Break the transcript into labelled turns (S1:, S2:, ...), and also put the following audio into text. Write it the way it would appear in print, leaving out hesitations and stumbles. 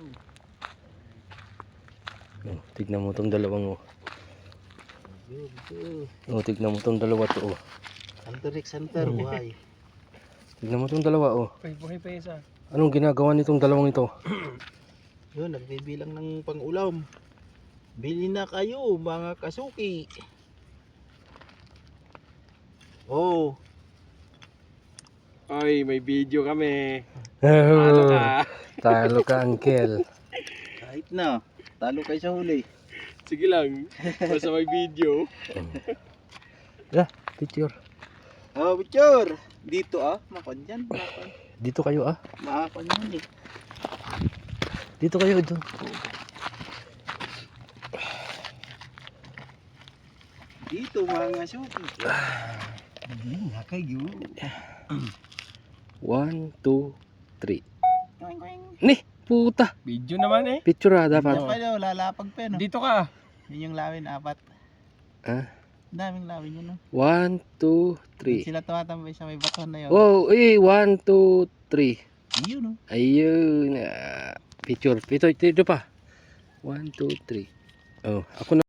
S1: Oh, tignan mo tong dalawang oh. Oh, tignan mo tong dalawa to oh.
S2: Hunter, buhay.
S1: Tignan mo tong dalawa oh.
S3: Buhay pa isa.
S1: Anong ginagawa nitong dalawang ito?
S2: Yun, nagbibilang ng pang-ulam. Bili na kayo mga kasuki. Oh,
S3: Oy, may video kami.
S1: Oh, talo ka, uncle.
S2: kahit na. Talo kayo sa huli.
S3: Sige lang. Basta may video.
S1: Yeah, picture.
S2: Oh, picture. Dito makon dyan. Makon.
S1: Dito kayo ah.
S2: Makon yan eh.
S1: Dito kayo doon.
S2: Dito mga suki. Hindi nga kayo.
S1: 1, 2, 3. Nih, puta.
S3: Video naman eh.
S1: Picture ah, dapat.
S2: Yan pa daw, lalapag pa no.
S3: Dito ka.
S2: Yun yung lawin, 4.
S1: Ah?
S2: Daming lawin yun no.
S1: 1, 2, 3.
S2: Sila tumatambay sa may baton na yun.
S1: Wow, 1, 2, 3.
S2: Yun no.
S1: Ayun. Picture. Ito pa. 1, 2, 3. Oh, ako na.